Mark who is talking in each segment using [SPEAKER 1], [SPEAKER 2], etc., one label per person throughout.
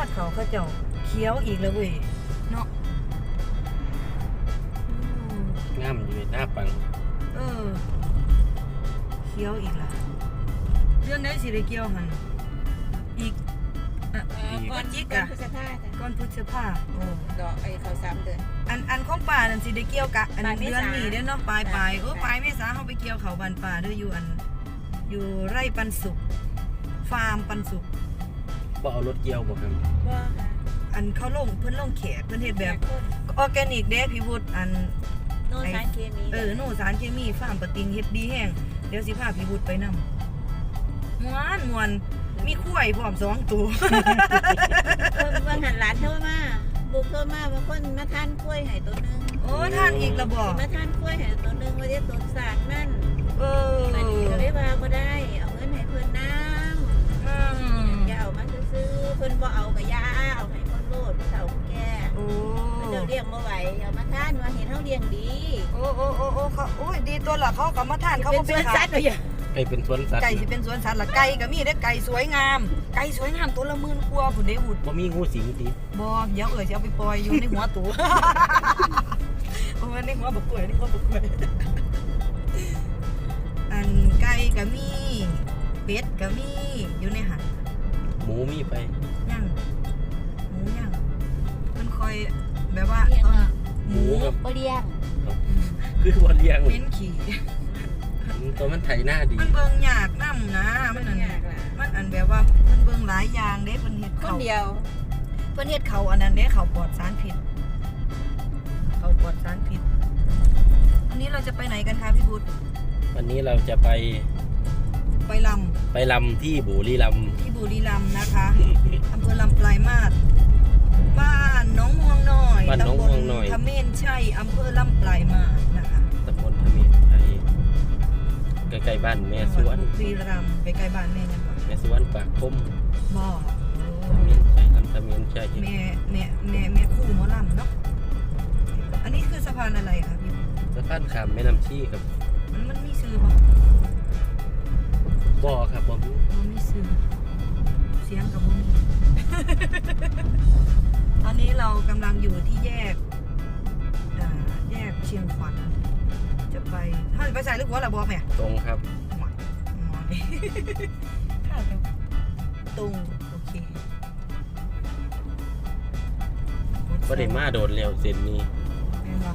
[SPEAKER 1] ดเขาเจ้าเขียวอีกแล้วเว้ยเนาะ
[SPEAKER 2] งามอยู่ในหน้าปัง
[SPEAKER 1] เขียวอีกละเรื่องไหนสิได้เกี่ยวหันอีก
[SPEAKER 3] ก่อนพฤษภาจ้ะ
[SPEAKER 1] ก้อนพฤษภาโอ้
[SPEAKER 3] ดอกไอ้เขา3 เดือน
[SPEAKER 1] อันของป่านั่นสิได้เกี่ยวกะอัน
[SPEAKER 3] ปลายเมษา
[SPEAKER 1] เดือนนี้เด้อเนาะปลายปลายเมษาเฮาไปเกี่ยวเขาบ้านป่าเด้ออยู่อยู่ไร่ปันสุขฟาร์มปันสุข
[SPEAKER 2] บ่เอารถเกี่ยวบ่ครับ
[SPEAKER 3] ว่าค่ะ
[SPEAKER 1] อันเขาเพิ่นลงแขกเพิ่นเฮ็ดแบบ
[SPEAKER 3] คน
[SPEAKER 1] ออร์แกนิกเด้พี่วุฒิอัน
[SPEAKER 3] โนสารเคมี
[SPEAKER 1] โน่สารเคมีฟาร์มปะติงเฮ็ดดีแห้งเดี๋ยวสิพาพี่วุฒิไปนำม่วนมีคุ้ยพร้อม2ตัว
[SPEAKER 3] เบิ่งหันหลานโทรมาบุกโทรมาว่าคนมาทานกล้วยให้ตัวนึง
[SPEAKER 1] โอ้ท่านอีกระบอก
[SPEAKER 3] มาทานกล้วยให้ตัวนึงว่าได้ต้นสารนั่น
[SPEAKER 1] มั
[SPEAKER 3] มันก็เลยว่าบ่ได้เอาเงินให้เพิ่นนำอย่าเอามาซื้อเพิ่นบ่เอาก็อย่าเอาให้คนโลดผู้เฒ่าผู้แก่
[SPEAKER 1] โอ้
[SPEAKER 3] เดี๋ยวเลี้ยงบ่ไหวเอามาทานว่าเห็นเฮาเลี้ยงดี
[SPEAKER 1] โอ้เขาโอ้ยดีตัวละเขาก็มาทานเขา
[SPEAKER 3] เป็
[SPEAKER 1] ก็
[SPEAKER 3] น
[SPEAKER 1] ไป
[SPEAKER 3] สวน
[SPEAKER 1] ขา
[SPEAKER 3] สั
[SPEAKER 1] ย
[SPEAKER 3] ตว์ว่าอย่า
[SPEAKER 2] ไอ้เป็นสวนสัตว์
[SPEAKER 1] ไก่สิเป็นสวนสัตว์ละไก่ก็มีเด้อไก่สวยงามตัวละ10,000กว่าพุ่นเด้หุด
[SPEAKER 2] บ่มีงูสิงติ
[SPEAKER 1] บ่เดี๋ยวสิเอาไปปล่อยอยู่ในหัวตัว โอ้ยในหัวบักกล้วยอันไก่ก็มีเป็ดก็มีอยู่ในหัน
[SPEAKER 2] หมูมีไป
[SPEAKER 1] ย่างหมูย่างมันคอยแบบว่า
[SPEAKER 3] เลี้ยงอะ
[SPEAKER 1] หมู
[SPEAKER 2] กับ
[SPEAKER 3] บ่เลี้ยง
[SPEAKER 2] คือบ่เลี้ยง
[SPEAKER 1] เม้นขี่
[SPEAKER 2] ตัวมันไถหน้าดี
[SPEAKER 1] มันเบิ่งยากนำนะมันอัน
[SPEAKER 3] ยากล่ะ
[SPEAKER 1] มันอันแบบว่ามันเบิ่งหลายอย่างเด้เพิ่นเฮ็ด
[SPEAKER 3] คน
[SPEAKER 1] เขา
[SPEAKER 3] เดียว
[SPEAKER 1] เพิ่นเฮ็ดเขาอันนั้นเด้เขาปลอดสารพิษเขาปลอดสารพิษวันนี้เราจะไปไหนกันคะพี่บุตร
[SPEAKER 2] วันนี้เราจะไป
[SPEAKER 1] ไปลำ
[SPEAKER 2] ไปลำที่บุรีรัมย์
[SPEAKER 1] ที่บุรีรัมย์นะคะอำเภอลำปลายมาศบ้านหน้องม่วงน้อยตำบลทเมนชัยอำเภอลำปลายมาศนะคะ
[SPEAKER 2] ตำบลทมิตรไทยใกล้ๆบ้านแม่ส
[SPEAKER 1] จังห
[SPEAKER 2] ว
[SPEAKER 1] วัน ดบุรีรัมย์ไปใกล้บ้านแม่ยังบ่
[SPEAKER 2] แม่สวนปากคม
[SPEAKER 1] บ่
[SPEAKER 2] ทมิตรใช่ลำทมิตรใช่
[SPEAKER 1] แม่คู่หมอลำเนาะอันนี้คือสะพานอะไรคะพี่
[SPEAKER 2] สะพานข้ามแม่น้ำชีครับ
[SPEAKER 1] มันมีชื่อบ่
[SPEAKER 2] บ่อครับบ่มี
[SPEAKER 1] มันมีซื้อเสียงกับบ่มี ตอนนี้เรากำลังอยู่ที่แยกเชียงขวัญจะไปถ้าจะไปใส่ลูกหัวละบอกแม่
[SPEAKER 2] ตรงครับ
[SPEAKER 1] หมอยถ้าจะตรงโอเค
[SPEAKER 2] บ่ได้มาโดนแล้วเส้นนี้
[SPEAKER 1] แม่นบ่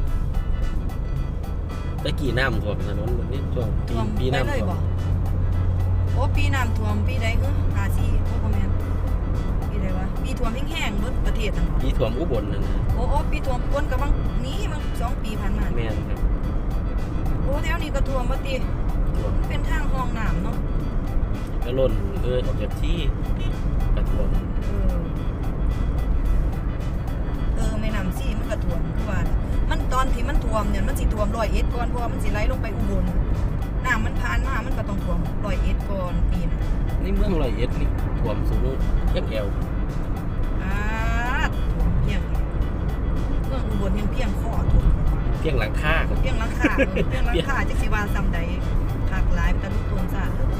[SPEAKER 2] ตะกี้น้ำท่วมถนนแบบนี้ช่วง
[SPEAKER 1] ท่วม
[SPEAKER 2] ปี
[SPEAKER 1] ไป
[SPEAKER 2] น้ำ
[SPEAKER 1] เลย
[SPEAKER 2] ท่ว
[SPEAKER 1] บ่
[SPEAKER 2] ม
[SPEAKER 1] โอ้ปีน้ำท่วมปีใด54โอ้บ่แม่นปีใดวะปีท่วมแห้งๆเบิดประเทศนั่นบ่
[SPEAKER 2] ปีท่วมอุบลนั่นนะ
[SPEAKER 1] โอ้ปีท่วมก้นกับบางนี้มัน2 ปีผ่านมา
[SPEAKER 2] แม่นครับ
[SPEAKER 1] โอ้แถวนี้ก็ท่วมบ่ติ
[SPEAKER 2] ท่วม
[SPEAKER 1] เป็นทางห้องน้ำเนาะ
[SPEAKER 2] ก็ล่นออกจากที่กระท่วม
[SPEAKER 1] แม่น้ำซี่มันก็ท่วมคือว่ามันตอนที่มันท่วมเนี่ยมันสิท่วม101ก่อนเพราะว่ามันสิไหลลงไปอุบลน้ำมันผ่านมามันก็ต้องท่วม101ก่อนปีน่ะ
[SPEAKER 2] นี่เมืองร้อยเอ็ดนี่ท่วมสูงแค่แอว
[SPEAKER 1] ท่วมเพียงเมืองอุบลยังเพียงข้อท่วม
[SPEAKER 2] เพียงหลังคาครับ
[SPEAKER 1] เพียงหลังคาจักสิว่าซ้ำใดภาคหลายเป็นตะลุกโทนซ่า